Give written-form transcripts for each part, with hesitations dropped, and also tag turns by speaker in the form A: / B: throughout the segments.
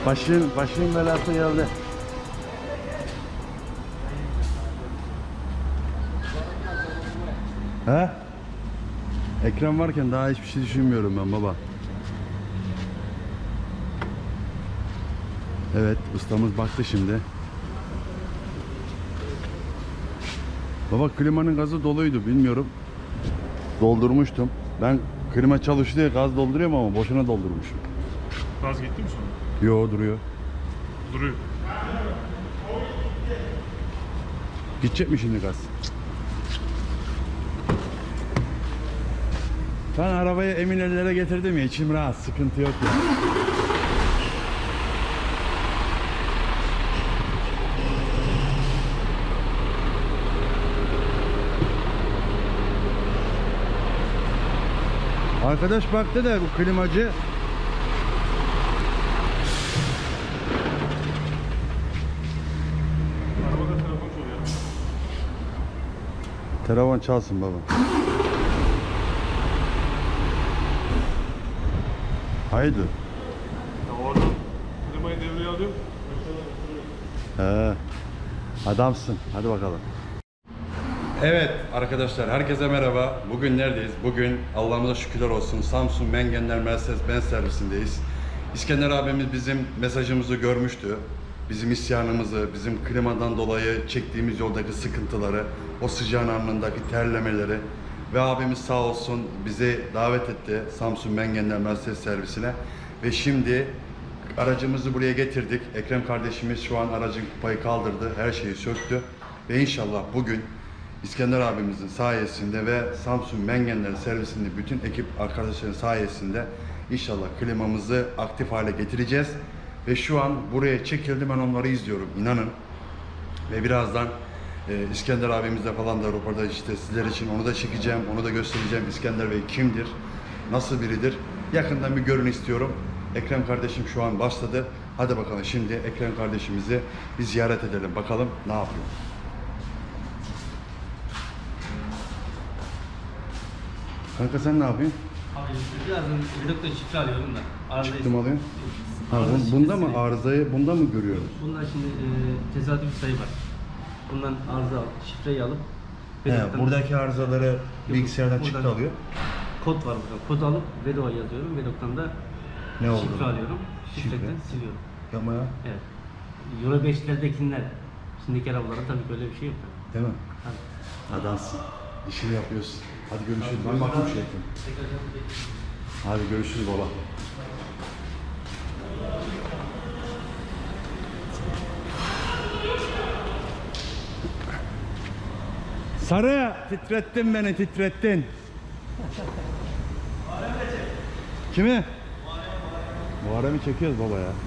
A: Başın belası geldi. He? Ekran varken daha hiçbir şey düşünmüyorum ben baba. Evet, ustamız baktı şimdi. Baba klimanın gazı doluydu, bilmiyorum. Doldurmuştum. Ben klima çalıştı diye gaz dolduruyorum ama boşuna doldurmuşum.
B: Gaz gitti mi sonra?
A: Yo, duruyor.
B: Duruyor.
A: Gidecek mi şimdi gaz? Ben arabayı emin ellere getirdim ya, içim rahat, sıkıntı yok ya. Arkadaş baktı da bu klimacı.
B: Arabada telefon çalıyor.
A: Telefon çalsın baba. Haydi.
B: Ya oradan klimayı devreye alıyorum.
A: He. Adamsın. Hadi bakalım. Evet arkadaşlar, herkese merhaba. Bugün neredeyiz? Bugün Allah'ımıza şükürler olsun Samsun Mengenler Mercedes-Benz servisindeyiz. İskender abimiz bizim mesajımızı görmüştü. Bizim isyanımızı, bizim klimadan dolayı çektiğimiz yoldaki sıkıntıları, o sıcağın anındaki terlemeleri ve abimiz sağ olsun bizi davet etti Samsun Mengenler Mercedes servisine ve şimdi aracımızı buraya getirdik. Ekrem kardeşimiz şu an aracın kupayı kaldırdı, her şeyi söktü ve inşallah bugün İskender abimizin sayesinde ve Samsun Mengenler servisinde bütün ekip arkadaşların sayesinde inşallah klimamızı aktif hale getireceğiz. Ve şu an buraya çekildi, ben onları izliyorum, inanın. Ve birazdan İskender abimizle falan da röportaj işte sizler için onu da çekeceğim, onu da göstereceğim. İskender Bey kimdir, nasıl biridir? Yakından bir görün istiyorum. Ekrem kardeşim şu an başladı. Hadi bakalım şimdi Ekrem kardeşimizi bir ziyaret edelim. Bakalım ne yapıyor. Kanka sen ne yapıyorsun?
C: Abi birazdan redukta şifre alıyorum da. Arıza
A: Çıktım alıyorsun. Ha,
C: Arıza
A: bunda mı
C: şifresi-
A: arızayı bunda mı görüyoruz?
C: Bunlar şimdi tesadüf bir sayı var. Bundan arıza şifreyi alıp
A: He,
C: reduktan-
A: buradaki arızaları bilgisayardan
C: buradan
A: çıktı alıyor.
C: Kod var burada. Kodu alıp Vedo'a yazıyorum. Vedo'dan da
A: Ne oldu?
C: şifre alıyorum. Şifreden
A: Şifre?
C: siliyorum.
A: Yapma ya.
C: Evet. Euro 5'lerdekiler. Şimdiki arabalarda tabii böyle bir şey yok.
A: Değil mi?
C: Tabii.
A: Adamsın. İşini yapıyorsun. Hadi görüşürüz. Ben bakayım şu ekran. Hadi görüşürüz baba. Sarı, titrettin beni, titrettin. Kimi? Muharrem'i çekiyoruz baba ya.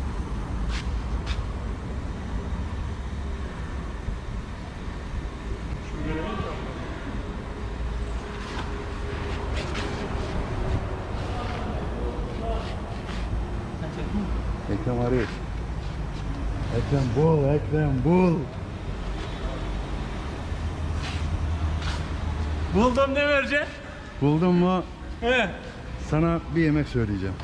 A: Ekrem arıyor. Ekrem bul, Ekrem bul.
B: Buldum, ne vereceksin?
A: Buldun mu?
B: He.
A: Sana bir yemek söyleyeceğim.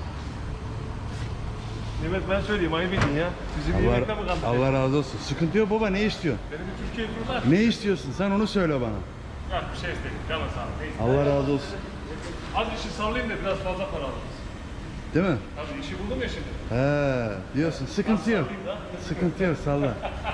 B: Mehmet ben söyleyeyim, ayıp edin ya. Bizi bir yemekle mi kandırdın?
A: Allah razı olsun. Sıkıntı yok baba, ne istiyorsun?
B: Beni bir Türkiye turlar.
A: Ne istiyorsun? Sen onu söyle bana.
B: Yok bir şey istedim, canın sağ ol. Neyse.
A: Allah razı olsun.
B: Az işi sallayayım da biraz fazla para alırız.
A: Değil mi?
B: Tabii işi buldum ya şimdi.
A: He, diyorsun. Sıkıntı yok. Sıkıntı yok, salla.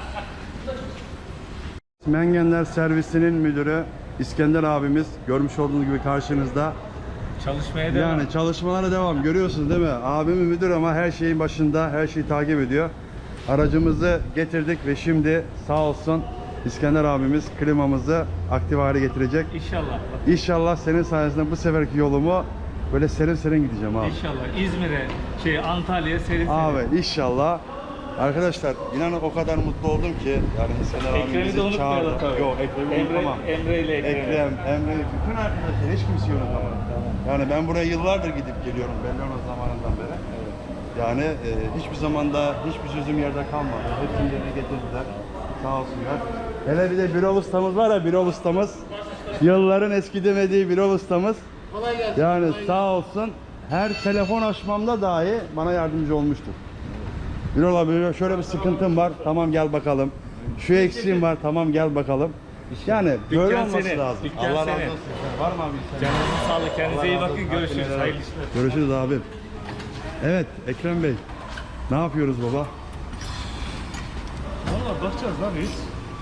A: Mengenler servisinin müdürü İskender abimiz, görmüş olduğunuz gibi karşınızda.
B: Çalışmaya
A: Yani çalışmalara devam, görüyorsunuz değil mi? Abimi müdür ama her şeyin başında, her şeyi takip ediyor. Aracımızı getirdik ve şimdi sağ olsun İskender abimiz klimamızı aktif hale getirecek.
C: İnşallah.
A: İnşallah senin sayesinde bu seferki yolumu böyle serin serin gideceğim abi.
C: İnşallah. İzmir'e, Antalya'ya serin
A: Abi inşallah. Arkadaşlar inanın o kadar mutlu oldum ki yani İskender
C: Ekrem'i de
A: abimizi
C: unutmayalım
A: çağırdı.
C: tabii.
A: Yok Ekrem'i unutmam.
C: Emre ile
A: Ekrem, Emre, bütün arkadaşlar hiç kimseyi unutamam. Yani ben buraya yıllardır gidip geliyorum Bellona zamanından beri. Yani hiçbir zamanda hiçbir sözüm yerde kalmadı. Hepsini yerine getirdiler. Sağ olsunlar. Hele bir de Birol ustamız var ya, Birol ustamız. Yılların eskidemediği Birol ustamız.
D: Kolay gelsin.
A: Yani sağ olsun her telefon açmamda dahi bana yardımcı olmuştur. Birol abi şöyle bir sıkıntım var. Tamam gel bakalım. Şu eksiğim var. Tamam gel bakalım. Yani böyle
B: Dükkan
A: olması
B: senin,
A: lazım.
B: dükkan
A: Allah razı
B: senin.
A: olsun. Var mı abi?
B: Canınızın sağlığı. Kendinize iyi bakın. Görüşürüz. Hayırlı işler.
A: Görüşürüz abim. Evet Ekrem Bey. Ne yapıyoruz baba?
B: Valla bakacağız lan reis.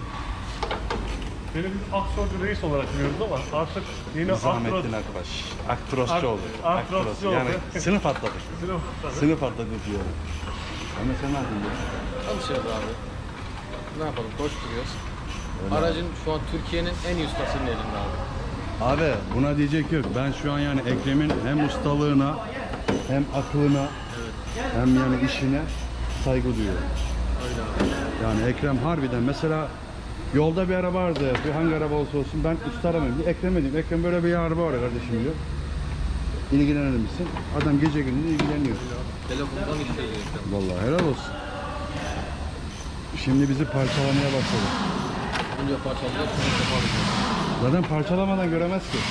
B: Beni bir aktörcü reis olarak biliyoruz ama artık yine
A: Zahmettin arkadaş. Aktrosçu oldu.
B: Aktrosçu oldu.
A: Yani sınıf atladık. Sınıf atladık diyor. Ama sen ne yapıyorsun?
D: Çalışıyoruz abi. Ne yapalım? Koşturuyoruz. Aracın şu an Türkiye'nin en iyi ustasının elinde abi.
A: Abi buna diyecek yok. Ben şu an yani Ekrem'in hem ustalığına hem aklına hem yani işine saygı duyuyorum.
D: Öyle abi.
A: Yani Ekrem harbiden mesela yolda bir araba vardı, bir hangi araba olsa olsun ben usta aramayayım diye Ekrem'e diyeyim. Ekrem böyle bir araba var kardeşim diyor. İlgilenir misin? Adam gece gündüz ilgileniyor.
D: Telefondan iş çözüyor.
A: Vallahi helal olsun. Şimdi bizi parçalamaya başladı.
D: Önce parçalayacağız, sonra toparlayacağız.
A: Zaten parçalamadan göremez ki.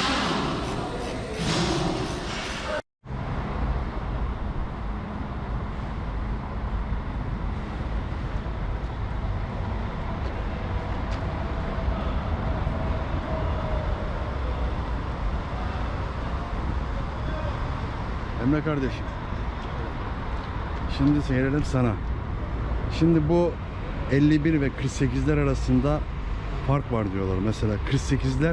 A: Emre kardeşim. Şimdi seyredelim sana. Şimdi bu 51 ve 48'ler arasında fark var diyorlar. Mesela 48'ler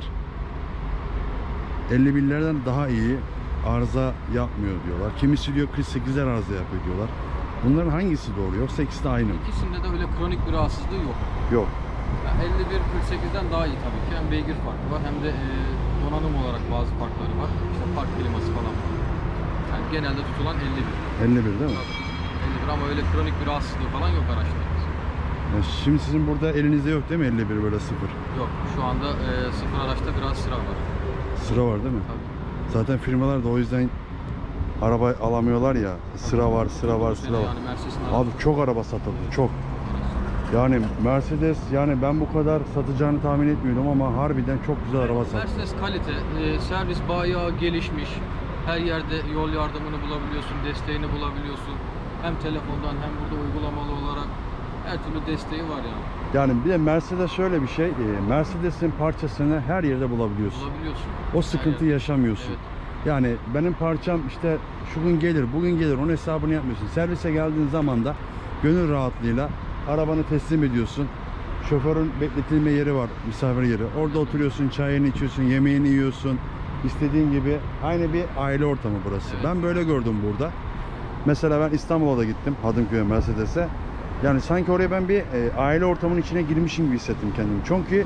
A: 51'lerden daha iyi arıza yapmıyor diyorlar. Kimisi diyor 48'ler arıza yapıyor diyorlar. Bunların hangisi doğru yoksa ikisi de aynı mı?
D: İkisinde de öyle kronik bir rahatsızlığı yok.
A: Yok.
D: Yani 51-48'den daha iyi tabii ki. Hem beygir farkı var hem de donanım olarak bazı farkları var. İşte park kliması falan var. Yani genelde tutulan 51.
A: 51 değil mi?
D: 51 ama öyle kronik bir rahatsızlığı falan yok araçlarımız.
A: Yani şimdi sizin burada elinizde yok değil mi 51 böyle sıfır?
D: Yok. Şu anda sıfır araçta biraz sıra var.
A: Sıra var değil mi?
D: Tabii.
A: Zaten firmalar da o yüzden araba alamıyorlar ya. Sıra var, sıra var, sıra var.
D: Yani Mercedes'in
A: Abi çok araba satıldı, çok. Yani Mercedes yani ben bu kadar satacağını tahmin etmiyordum ama harbiden çok güzel araba sattı.
D: Mercedes kalite, servis bayağı gelişmiş. Her yerde yol yardımını bulabiliyorsun, desteğini bulabiliyorsun. Hem telefondan hem burada uygulamalı olarak her türlü desteği var yani.
A: Yani bir de Mercedes şöyle bir şey, Mercedes'in parçasını her yerde bulabiliyorsun.
D: Bulabiliyorsun.
A: O sıkıntıyı yaşamıyorsun.
D: Evet.
A: Yani benim parçam işte şu gün gelir, bugün gelir, onun hesabını yapmıyorsun. Servise geldiğin zaman da gönül rahatlığıyla arabanı teslim ediyorsun. Şoförün bekletilme yeri var, misafir yeri. Orada oturuyorsun, çayını içiyorsun, yemeğini yiyorsun. İstediğin gibi aynı bir aile ortamı burası.
D: Evet.
A: Ben böyle gördüm burada. Mesela ben İstanbul'a da gittim, Hadımköy'e, Mercedes'e. Yani sanki oraya ben bir aile ortamının içine girmişim gibi hissettim kendimi.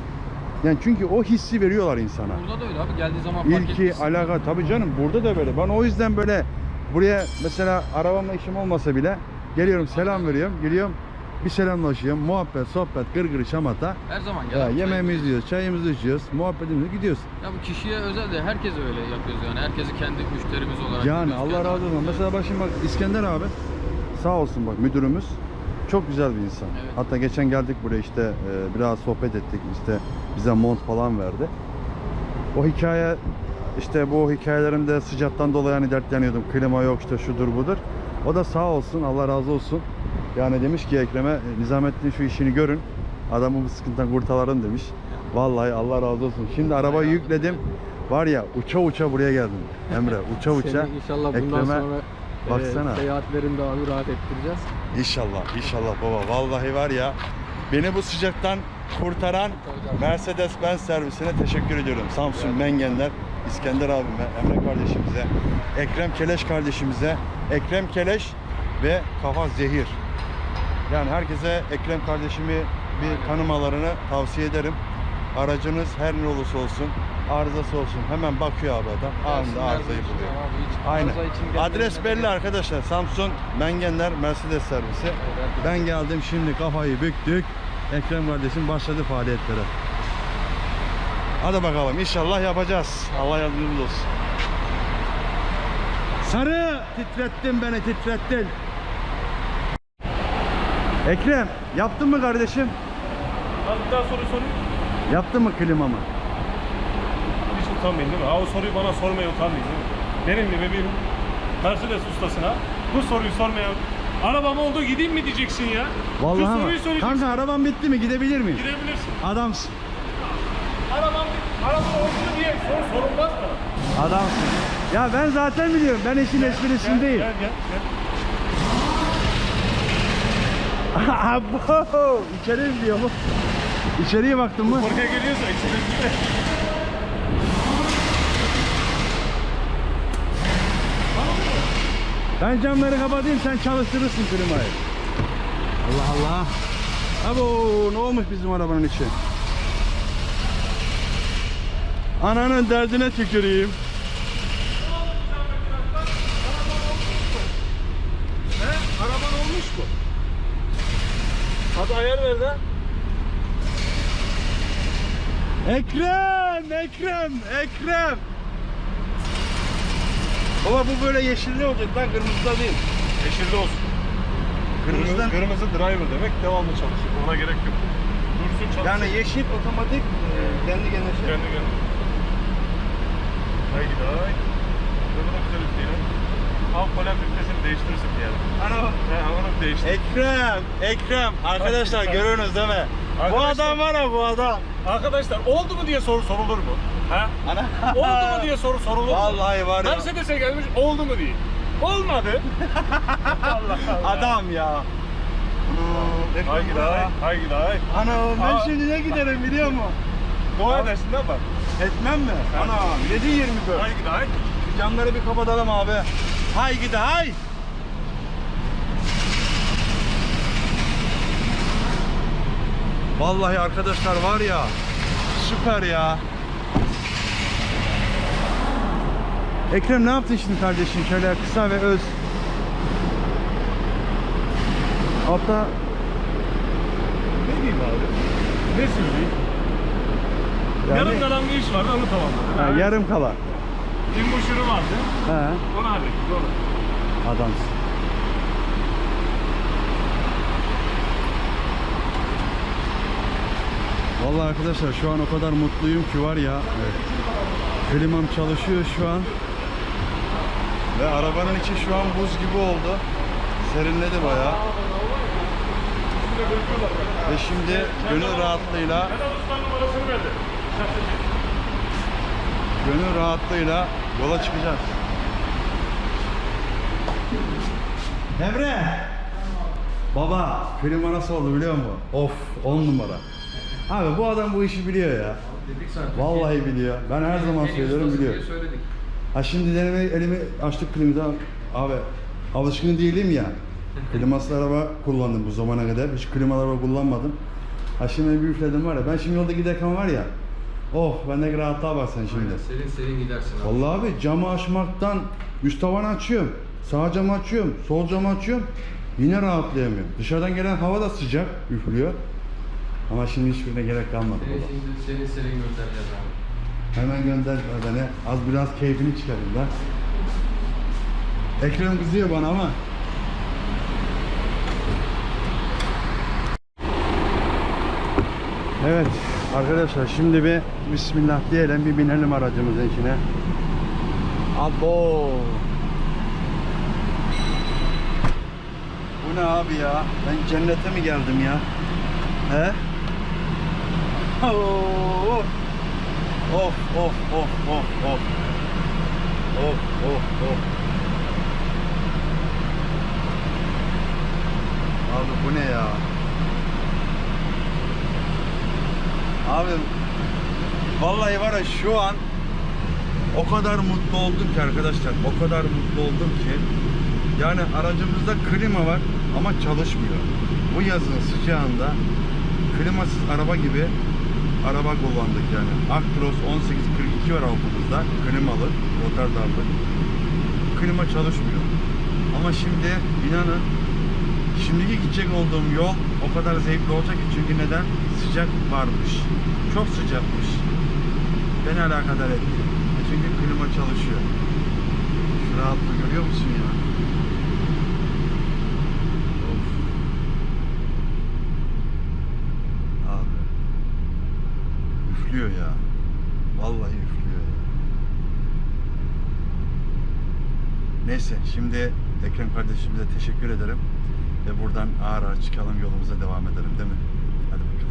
A: Çünkü o hissi veriyorlar insana.
D: Burada da öyle abi. Geldiği zaman fark
A: İlki,
D: etmişsin.
A: alaka tabii canım burada da böyle. Ben o yüzden böyle buraya mesela arabamla işim olmasa bile geliyorum, selam veriyorum, geliyorum, bir selamlaşıyorum, muhabbet, sohbet, gırgır, şamata.
D: Her zaman
A: Ya,
D: gel.
A: yemeğimizi yiyoruz, çayımızı içiyoruz, muhabbetimizi gidiyoruz.
D: Ya bu kişiye özel de herkes öyle yapıyoruz yani. Herkesi kendi müşterimiz olarak
A: Yani
D: görüyoruz,
A: Allah
D: kendi
A: razı olsun.
D: halkımız.
A: Mesela bak şimdi bak İskender abi sağ olsun bak müdürümüz. Çok güzel bir insan.
D: Evet.
A: Hatta geçen geldik buraya işte biraz sohbet ettik. İşte bize mont falan verdi. O hikaye işte bu hikayelerimde sıcaktan dolayı hani dertleniyordum. Klima yok işte şudur budur. O da sağ olsun Allah razı olsun. Yani demiş ki Ekrem'e Nizamettin şu işini görün. Adamı bu sıkıntıdan kurtaralım demiş. Vallahi Allah razı olsun. Şimdi arabayı yükledim. Var ya uça uça buraya geldim. Emre uça uça.
D: Seni inşallah bundan
A: Ekrem'e
D: sonra
A: baksana.
D: seyahatlerinde abi rahat ettireceğiz.
A: İnşallah, inşallah baba. Vallahi var ya, beni bu sıcaktan kurtaran Mercedes-Benz servisine teşekkür ediyorum. Samsun Mengenler, İskender abime, Emre kardeşimize, Ekrem Keleş kardeşimize, Ekrem Keleş ve Kafa Zehir. Yani herkese Ekrem kardeşimi bir tanımalarını tavsiye ederim. Aracınız her ne olursa olsun, arızası olsun hemen bakıyor abi adam. Anında arızayı buluyor. Aynen. Adres belli arkadaşlar. Samsun Mengenler Mercedes servisi. Ben geldim şimdi kafayı büktük. Ekrem kardeşim başladı faaliyetlere. Hadi bakalım inşallah yapacağız. Allah yardımcımız olsun. Sarı titrettin beni titrettin. Ekrem yaptın mı kardeşim?
B: Abi bir daha soru sorayım.
A: Yaptın mı klimamı?
B: Hiç utanmayın değil mi? Ha, o soruyu bana sormaya utanmayın değil mi? Benim gibi bir Mercedes ustasına bu soruyu sormaya Arabam oldu gideyim mi diyeceksin ya? Şu
A: Vallahi
B: soruyu
A: ama.
B: soracaksın.
A: Kanka arabam bitti mi? Gidebilir miyim?
B: Gidebilirsin.
A: Adamsın.
B: Arabam oldu mu diye sorulmaz mı?
A: Adamsın. Ya ben zaten biliyorum. Ben işin esprisindeyim.
B: Gel.
A: Abo! İçeri mi diyor mu? İçeriye baktın mı?
B: Oraya geliyorsa içine.
A: Ben camları kapatayım, sen çalıştırırsın klimayı. Allah Allah. Abo, ne olmuş bizim arabanın içi? Ananın derdine tüküreyim.
B: Araban olmuş mu? Hadi ayar ver de.
A: Ekrem. Baba bu böyle yeşilli olacak lan, kırmızıda değil.
B: Yeşilli olsun.
A: Kırmızıdan.
B: Kırmızı driver demek devamlı çalışır. Ona gerek yok. Dursun çalışsın.
A: Yani yeşil otomatik kendi kendine şey.
B: Kendi. Haydi hay. Bu da güzel üstüyle. Al polen filtresini değiştirirsin yani.
A: Ana bak.
B: Onu değiştir.
A: Ekrem. Arkadaşlar görüyorsunuz değil mi? Bu
B: Arkadaşlar-
A: adam var ya, bu adam.
B: Arkadaşlar oldu mu diye soru sorulur mu? Ha?
A: Ana.
B: Oldu mu diye soru sorulur mu?
A: Vallahi var ya.
B: Mercedes'e gelmiş oldu mu diye. Olmadı. Allah Allah.
A: Adam ya.
B: Haydi hay.
A: Ana ben
B: Aa.
A: şimdi ne giderim biliyor musun?
B: Dua edersin de bak.
A: Etmem mi? Ana 7.24.
B: Haydi hay.
A: Şu camları bir kapatalım abi. Hay gidi hay. Vallahi arkadaşlar var ya, süper ya. Ekrem ne yaptın şimdi kardeşim? Şöyle kısa ve öz. Hatta
B: Ne diyeyim abi? Ne söyleyeyim? Yarım kalan bir iş vardı onu tamamladım.
A: ha, yarım kala.
B: İmbuşuru vardı.
A: He,
B: Onu hallettik. Onu.
A: adamsın. Vallahi arkadaşlar şu an o kadar mutluyum ki var ya. Evet. Klimam çalışıyor şu an. Ve arabanın içi şu an buz gibi oldu. Serinledi bayağı. Ve şimdi gönül rahatlığıyla
B: Vedat Usta'nın numarasını verdi.
A: gönül rahatlığıyla yola çıkacağız. Emre! Baba, klima nasıl oldu biliyor musun? Of, 10 numara. Abi bu adam bu işi biliyor ya.
C: Dedik zaten.
A: Vallahi biliyor. Ben her zaman söylüyorum, biliyor.
C: Söyledik.
A: Ha şimdi elimi açtık klimada. Abi alışkın değilim ya. Klimasız araba kullandım bu zamana kadar. Hiç klimalı araba kullanmadım. Ha şimdi bir üfledim var ya. Ben şimdi yolda giderken var ya. Oh bendeki rahatlığa bak sen şimdi.
C: Serin gidersin abi.
A: Vallahi abi camı açmaktan üst tavanı açıyorum. Sağ camı açıyorum. Sol camı açıyorum. Yine rahatlayamıyorum. Dışarıdan gelen hava da sıcak üflüyor. Ama şimdi hiçbirine gerek kalmadı baba.
C: Şimdi serin göndereceğiz abi.
A: Hemen gönder beni. Az biraz keyfini çıkarayım da. Ekrem kızıyor bana ama. Evet arkadaşlar şimdi bir bismillah diyelim, bir binelim aracımızın içine. Abo. Bu ne abi ya? Ben cennete mi geldim ya? He? Oh. Of of of of of. Of of of. Abi bu ne ya? Abi vallahi var ya şu an o kadar mutlu oldum ki arkadaşlar. O kadar mutlu oldum ki. Yani aracımızda klima var ama çalışmıyor. Bu yazın sıcağında klimasız araba gibi araba kullandık yani. Actros 1842 var altımızda. Klimalı, Rotterdam'lı. Klima çalışmıyor. Ama şimdi inanın şimdiki gidecek olduğum yol o kadar zevkli olacak ki, çünkü neden? Sıcak varmış. Çok sıcakmış. Beni alakadar etti. Çünkü klima çalışıyor. Şu rahatlığı görüyor musun ya? Of. Abi. Üflüyor ya. Vallahi üflüyor ya. Neyse şimdi Ekrem kardeşimize teşekkür ederim. Ve buradan ağır ağır çıkalım, yolumuza devam edelim değil mi? Hadi bakalım.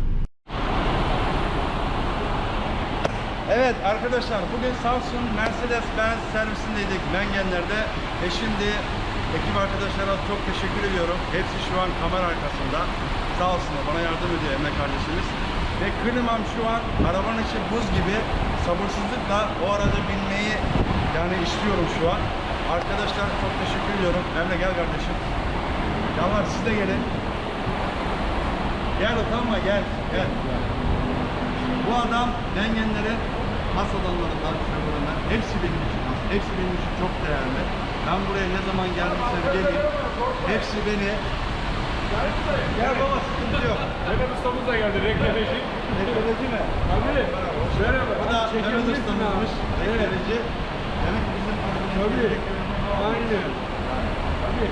A: Evet arkadaşlar, bugün Samsun Mercedes-Benz servisindeydik Mengenler'de. Şimdi ekip arkadaşlara çok teşekkür ediyorum. Hepsi şu an kamera arkasında. Sağ olsunlar, bana yardım ediyor Emre kardeşimiz. Ve klimam şu an arabanın içi buz gibi. Sabırsızlıkla o araca binmeyi yani istiyorum şu an. Arkadaşlar çok teşekkür ediyorum. Emre gel kardeşim. Yanlar siz de gelin. Gel utanma, gel. Bu adam Mengenler'in has adamlarından, şoföründen. Hepsi benim için has. Hepsi benim için çok değerli. Ben buraya ne zaman geldiysem geleyim. Hepsi beni... Gel baba, sıkıntı yok.
B: Mehmet ustamız da geldi, reklameci.
A: Reklameci mi?
B: Abi, merhaba.
A: Bu da Mehmet ustamızmış. Reklameci. Demek ki bizim
B: Tabii. Aynen. Tabii.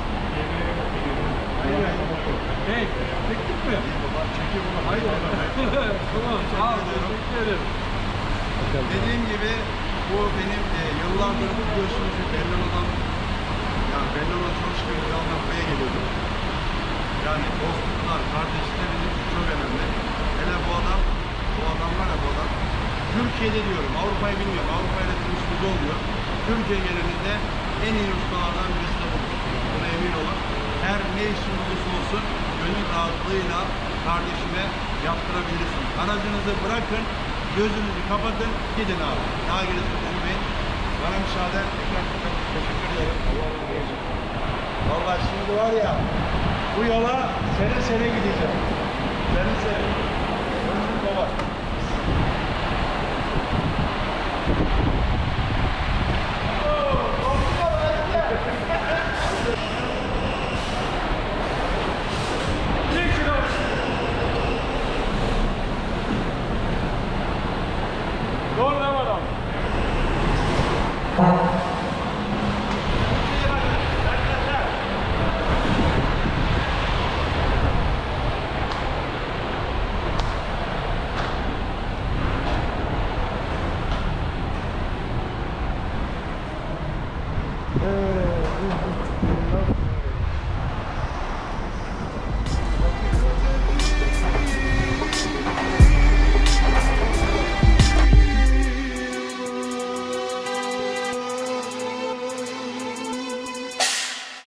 B: Hey, çektik mi?
A: Çekiyor bunu.
B: Hayır. Tamam, sağ ol. Teşekkür ederim.
A: Dediğim gibi bu benim yıllardır biliyorsunuz Bellona'dan, yani Bellona çalıştığım yıllardan buraya geliyordum. Yani dostluklar, kardeşlikler bizim için çok önemli. Hele bu adam var ya bu adam. Türkiye'de diyorum, Avrupa'yı bilmiyorum. Avrupa'yla bir üstümüz olmuyor. Türkiye genelinde en iyi ustalardan birisi de bu. Buna emin olun. Her ne işin olursa olsun gönül rahatlığıyla kardeşime yaptırabilirsin. Aracınızı bırakın, gözünüzü kapatın, gidin abi. Daha gerisi düşünmeyin. Bana müsaade. Tekrar teşekkür ederim. Allah razı olsun. Vallahi şimdi var ya, bu yola sene gideceğim. Sene. Görüşürüz baba.